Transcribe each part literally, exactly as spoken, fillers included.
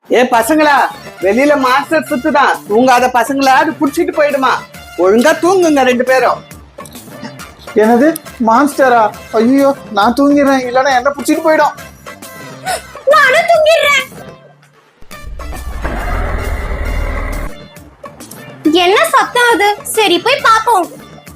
ஏ பசங்களா, வெளியில மாஸ்டர் சுத்துதான், தூங்காத பசங்களா அது புடிச்சிட்டு போயிடுமா. ஒழுங்கா தூங்குங்க ரெண்டு பேரும். என்னது மான்ஸ்டரா? ஐயோ நான் தூங்கிடுறேன், இல்லைன்னா என்ன பிடிச்சிட்டு போயிடும். நானும் தூங்கிடுறேன். என்ன சத்தம் அது? சரி போய் பாப்போம்.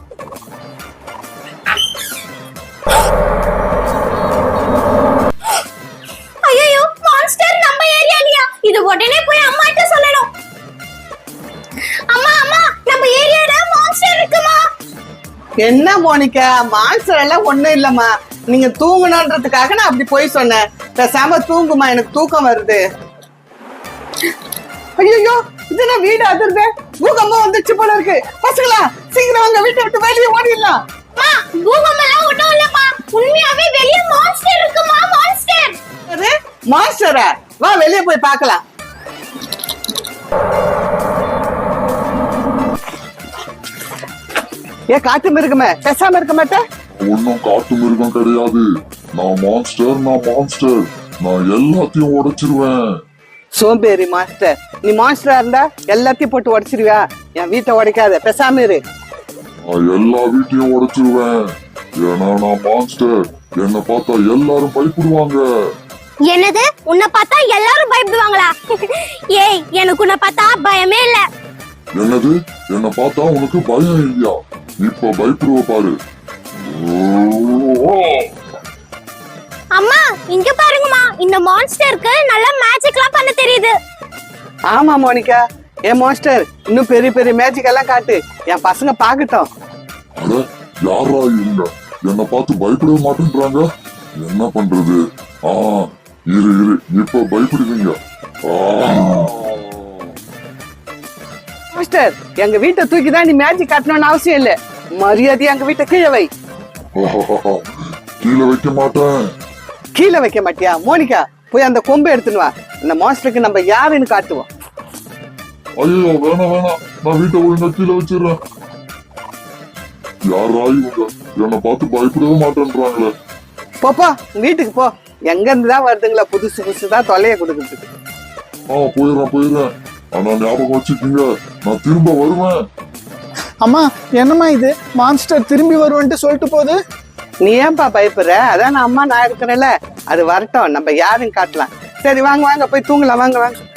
ஐயோ மான்ஸ்டர் நம்ம ஏரியாலயா? இது உடனே போய் அம்மாட்ட சொல்லணும். அம்மா அம்மா, நம்ம ஏரியால மான்ஸ்டர் இருக்குமா? என்ன மோனிகா, மான்ஸ்டர் எல்லாம் ஒண்ணும் இல்லம்மா. நீங்க தூங்கணுன்றதுக்காக நான் அப்படி போய் சொன்னேன். பேசாம தூங்குமா, எனக்கு தூக்கம் வருது. ஐயோ இது நான் வீடு அதிர்ந்து பூகம்பம் வந்துச்சு போல இருக்கு. பசங்களா சீக்கிரம் வாங்க, வீட்டை விட்டு வெளியே ஓடிடலாம். அம்மா பூகம்பம் எல்லாம் ஒண்ணும் இல்லம்மா, உண்மையாவே வெளிய மான்ஸ்டர் இருக்குமா? மான்ஸ்டர். அது மான்ஸ்டரா? வா வெளியே போய் பார்க்கலாம். ஏ காட்டு மிருகமே, பேசாம இருக்க மாட்டேன். ஒன்னும் காட்டு மிருகம் கிடையாது. நான் மான்ஸ்டர், நான் மான்ஸ்டர். நான் எல்லாத்தையும் உடைச்சிருவேன். சோம்பேறி மாஸ்டர், நீ மாஸ்டரா இருந்தா எல்லாத்தையும் போட்டு உடைச்சிருவியா? என் வீட்டை உடைக்காத, பேசாம இரு. நான் எல்லா வீட்டையும் உடைச்சிருவேன். ஏன்னா நான் மான்ஸ்டர். என்னை பார்த்தா எல்லாரும் பயப்படுவாங்க. என்னது? உன்னை பார்த்தா எல்லாரும் பயப்படுவாங்களா? ஏய், எனக்கு உன்னை பார்த்தா பயமே இல்ல. என்னது? என்னை பார்த்தா உனக்கு பயம் இல்லையா? இப்ப பயப்படுவ பாரு. அம்மா இங்க பாருங்கம்மா, இந்த மான்ஸ்டருக்கு நல்ல மேஜிக்லாம் பண்ண தெரியுது. ஆமா மோனிகா, ஏன் மாஸ்டர் இன்னும் பெரிய பெரிய மேஜிக் எல்லாம் காட்டு, என் பசங்க பாக்கட்டும். அட யாரா இவங்க? என்னை பார்த்து பயப்படவே மாட்டேன்றாங்க. என்ன பண்றது? ஆ இரு இரு, இப்ப பயப்படுவீங்க. மாஸ்டர், எங்க வீட்டை தூக்கி தான் நீ மேஜிக் காட்டணும்னு அவசியம் இல்ல. மரியாதையா எங்க வீட்டை கீழே வை. கீழே வைக்க மாட்டேன். கீழே வைக்க மாட்டியா? மோனிகா போய் அந்த கொம்பை எடுத்துன்னு வா. இந்த மாஸ்டருக்கு நம்ம யாருன்னு காட்டுவோம். ஐயோ வேணாம் வேணாம், நான் வீட்டை ஒழுங்கா கீழே வச்சிடுறேன். யாரா இவங்க? என்னை பார்த்து பயப்படவே மாட்டேன்றாங்களே. போப்பா வீட்டுக்கு போ. எங்க இருந்துதான் வருதுங்களா புதுசு புதுசுதான் தொலைய கொடுக்குறதுக்கு. ஆ போயிடுறேன் போயிடுறேன். ஆனா ஞாபகம் வச்சுக்கீங்க, நான் திரும்ப வருவேன். அம்மா என்னம்மா இது, மான்ஸ்டர் திரும்பி வருவேன்ட்டு சொல்லிட்டு போகுது. நீ ஏன்பா பயப்படுற? அதான் நான் அம்மா நான் இருக்கிறேன்ல, அது வரட்டும், நம்ம யாருன்னு காட்டலாம். சரி வாங்க வாங்க போய் தூங்கலாம், வாங்க வாங்க.